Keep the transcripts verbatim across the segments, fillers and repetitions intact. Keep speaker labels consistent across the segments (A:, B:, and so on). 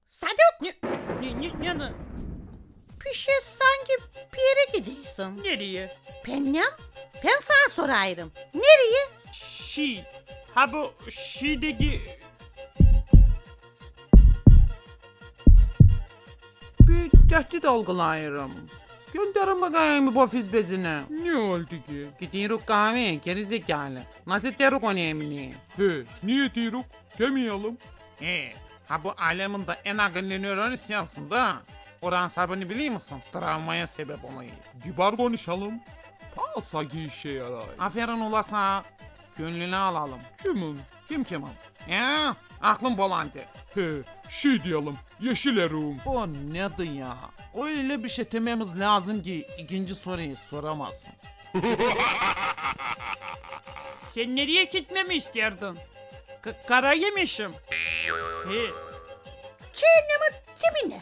A: Sadık!
B: Ne, ne, ne, ne,
A: Bir şey sanki bir yere gidiyorsun.
B: nereye?
A: Benim? Ben sana sorayım. Nereye?
B: Şi. Ha bu Şi'deki...
C: Bir tehdit algılayırım. Gönderin bakayım bu ofis bezini.
D: Ne oldu ki?
C: Gidiyoruz kahve, geri zekalı. Nasıl teruk önemli?
D: He, niye diyoruz? Demeyelim.
C: He, ha bu alemin de en akıllı nöronu sensin da. Oran sabını biliyor musun? Travmaya sebep oluyor.
D: Kibar konuşalım. Pasa ki işe yarar.
C: Aferin ulasa. Gönlünü alalım.
D: Kimin?
C: Kim kimin? Ya, aklım bolandı.
D: He, şey diyelim. Yeşil erum.
C: O nedir ya? Öyle bir şey dememiz lazım ki ikinci soruyu soramazsın.
B: Sen nereye gitmemi isterdin? K- kara yemişim. He.
A: Cehennemin dibine.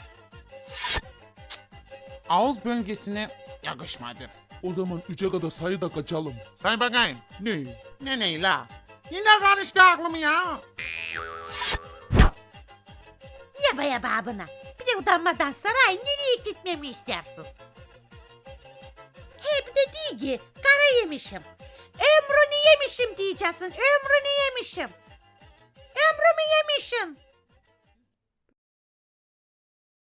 C: Ağız bölgesine yakışmadı.
D: O zaman üçe kadar sayıda kaçalım.
C: Say bakayım.
D: Ne?
C: Ne ne la? Yine karıştı aklım ya.
A: Yaba yaba abına. Bir de utanmadan saray nereye gitmemi istersin? He bir de değil ki kara yemişim. Ömrünü yemişim diyeceksin. Ömrünü yemişim. Ömrümü yemişim.